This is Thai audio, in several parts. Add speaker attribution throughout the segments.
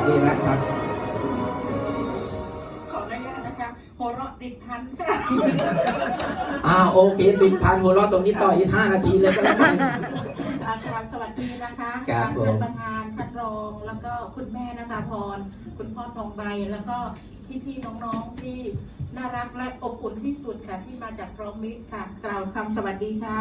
Speaker 1: ดีนะครับ
Speaker 2: ขออนุญาตนะคะหัวเราะติดพัน
Speaker 1: โอเคติดพันหัวเราะตรงนี้ต่ออีก5 นาทีเลยก็แล้วกัน
Speaker 2: ครับสวัสดีนะคะท่านประธานท่านรองแล้วก็คุณแม่นภาพรคุณพ่อทองใบแล้วก็พี่ๆน้องๆที่น่ารักและอบอุ่นที่สุดค่ะที่มาจากพร้อมมิตรค่ะกล่าวคำสวัสดีค่ะ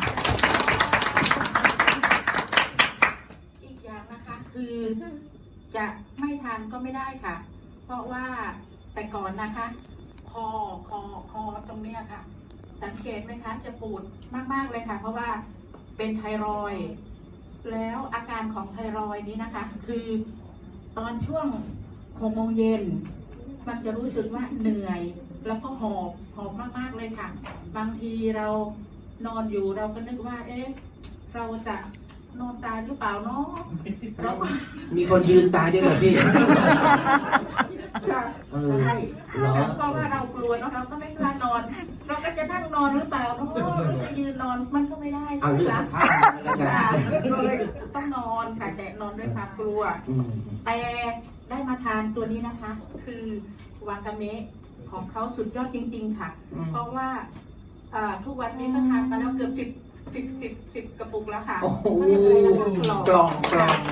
Speaker 2: อีกอย่างนะคะคือจะไม่ทานก็ไม่ได้ค่ะเพราะว่าแต่ก่อนนะคะคอตรงเนี้ยค่ะสังเกตไหมคะจะปวดมากๆเลยค่ะเพราะว่าเป็นไทรอยด์แล้วอาการของไทรอยด์นี้นะคะคือตอนช่วง6 โมงเย็นมันจะรู้สึกว่าเหนื่อยแล้วก็หอบมากๆเลยค่ะบางทีเรานอนอยู่เราก็นึกว่าเราจะนอนตายหรือเปล่าเนาะเราก็
Speaker 1: มีคนยืนตายด้วยเหรอพี่
Speaker 2: ใช่เพราะว่าเรากลัวเนาะเราก็ไม่กล้านอนเราก็จะนั่งนอนหรือเปล่าเนาะหรือจะยืนนอนมันก็ไม่ได้ใช่ไหมคะก็เลยต้องนอนค่ะแต่นอนด้วยความกลัวแต่ได้มาทานตัวนี้นะคะคือวากาเมะของเขาสุดยอดจริงๆค่ะเพราะว่าทุกวันนี้ก็ทานมาแล้วเกือบ10 กระปุกแล้วค่ะเขาเรียกอะไรนะคะ
Speaker 1: กล่อง
Speaker 2: เกือบ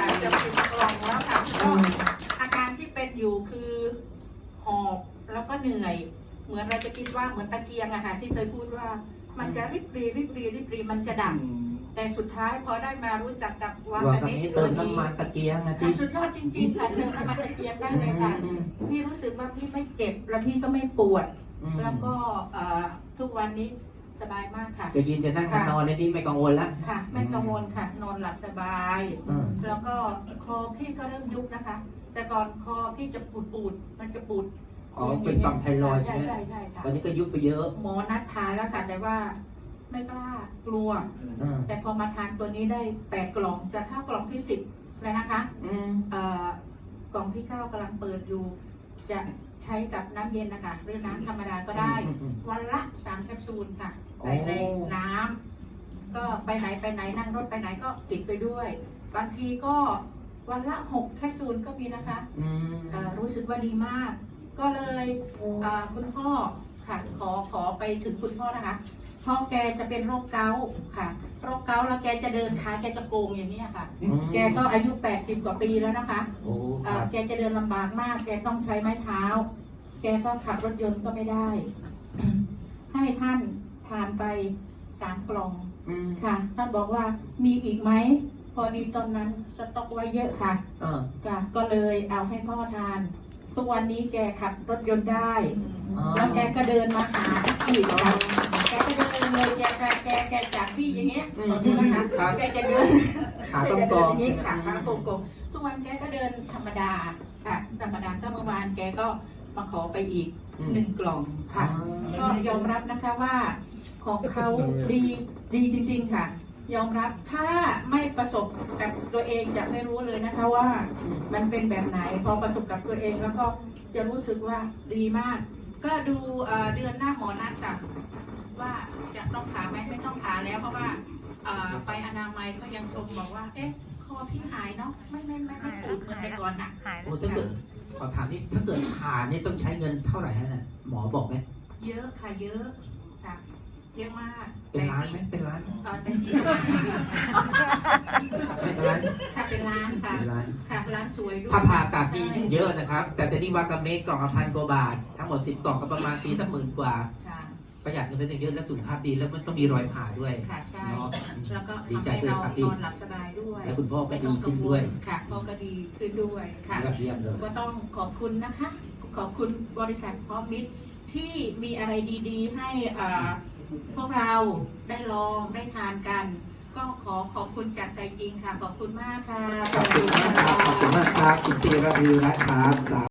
Speaker 2: 10 กล่องแล้วค่ะก็อาการที่เป็นอยู่คือหอบแล้วก็เหนื่อยเหมือนเราจะคิดว่าเหมือนตะเกียงอะค่ะที่เคยพูดว่ามันจะริบรีมันจะดับแต่สุดท้ายพอได้มารู้จักกับวากาเมะ
Speaker 1: เติมน้ำมันตะเกียงนะพี่
Speaker 2: สุดยอดจริงๆค่ะเติมน้ำมันตะเกียงได้เลยค่ะพี่รู้สึกว่าพี่ไม่เจ็บแล้วพี่ก็ไม่ปวดแล้วก็ทุกวันนี้สบายมากค่ะ
Speaker 1: จะยืนจะนั่งจะนอนในนี้ไม่กังวลแล้ว
Speaker 2: ค่ะไม่กังวลค่ะนอนหลับสบายแล้วก็คอพี่ก็เริ่มยุบนะคะแต่ก่อนคอพี่จะปูดมันจะปูด
Speaker 1: เป็นต่อมไทรอยด์ใช่ไหม
Speaker 2: ใช่ค่ะ
Speaker 1: ตอนนี้ก็ยุบไปเยอะ
Speaker 2: หมอนัดทานแล้วค่ะแต่ว่าไม่กล้ากลัวแต่พอมาทานตัวนี้ได้8 กล่องจะเข้ากล่องที่10แล้วนะคะกล่องที่9กำลังเปิดอยู่จะใช้กับน้ำเย็นนะคะหรือน้ำธรรมดาก็ได้วันละ3 แคปซูลค่ะใส่ในน้ำก็ไปไหนนั่งรถไปไหนก็ติดไปด้วยบางทีก็วันละ6 แคปซูลก็มีนะคะรู้สึกว่าดีมากก็เลยคุณพ่อค่ะขอไปถึงคุณพ่อนะคะพ่อแกจะเป็นโรคเกาต์ค่ะโรคเกาต์แล้วแกจะเดินขาแกจะโกงอย่างนี้ค่ะแกก็อายุ80 กว่าปีแล้วนะคะแกจะเดินลำบากมากแกต้องใช้ไม้เท้าแกก็ขับรถยนต์ก็ไม่ได้ให้ท่านทานไป3 กล่องค่ะท่านบอกว่ามีอีกไหมพอดีตอนนั้นสต็อกไว้เยอะค่ะก็เลยเอาให้พ่อทานทุกวันนี้แกขับรถยนต์ได้แล้วแกก็เดินมาหาที่ค่ะแกก็เดินเลยแกจากที่อย่างเงี้ยนะคะแกจะเดิน
Speaker 1: ขาตรงๆ
Speaker 2: อย่างนี้ขาตรงๆทุกวันแกก็เดินธรรมดาค่ะธรรมดาก็เมื่อวานแกก็มาขอไปอีก1 กล่องค่ะก็ยอมรับนะคะว่าของเขาดีจริงๆค่ะยอมรับถ้าไม่ประสบกับตัวเองจะไม่รู้เลยนะคะว่ามันเป็นแบบไหนพอประสบกับตัวเองแล้วก็จะรู้สึกว่าดีมากก็ดูเดือนหน้าหมอนัดค่ะว่าจะต้องผ่าไหมไม่ต้องผ่าแล้วเพราะว่าไปอนามัยก็ยังชมบอกว่าคอพี่หายเนาะไม่ปวดเหมือนแต่ก่อนน่ะ
Speaker 1: ถ้าเกิดขอถามนี่ถ้าเกิดผ่านี่ต้องใช้เงินเท่าไหร่ฮะเนี่ยหมอบอกไหม
Speaker 2: เยอะค่ะเยอะค่ะเยอะมาก
Speaker 1: เป็นล้านไหมเป็นล้าน
Speaker 2: แต่ที่
Speaker 1: เป็นล้าน
Speaker 2: ค่ะเป็นล้านค่ะค่ะร้านสวยด้วย
Speaker 1: ถ้าผ่าตัดนี่เยอะนะครับแต่จะนี่วากาเมะกล่องละ1,000 กว่าบาททั้งหมด10 กล่องก็ประมาณปีสัก10,000 กว่าประหยัดเงินไปเยอะและสุขภาพดีแล้วมันต้องมีรอยผ่าด้วย
Speaker 2: ค่ะใช่แล้วก็
Speaker 1: ดีใจด้วยครับพี่
Speaker 2: นอนหลับสบายด้วย
Speaker 1: แล้วคุณพ่อก็ดีขึ้นด้วย
Speaker 2: ค่ะพ่อก็ดีขึ้นด้วยค่ะก็ต้องขอบคุณนะคะขอบคุณบริษัทพร้อมมิตรที่มีอะไรดีๆให้พวกเราได้ลองได้ทานกันก็ขอบคุณจากใจจริงค่ะขอบคุณมากค่ะ
Speaker 1: ขอบคุณมากครับคุณปีระวีนะครับ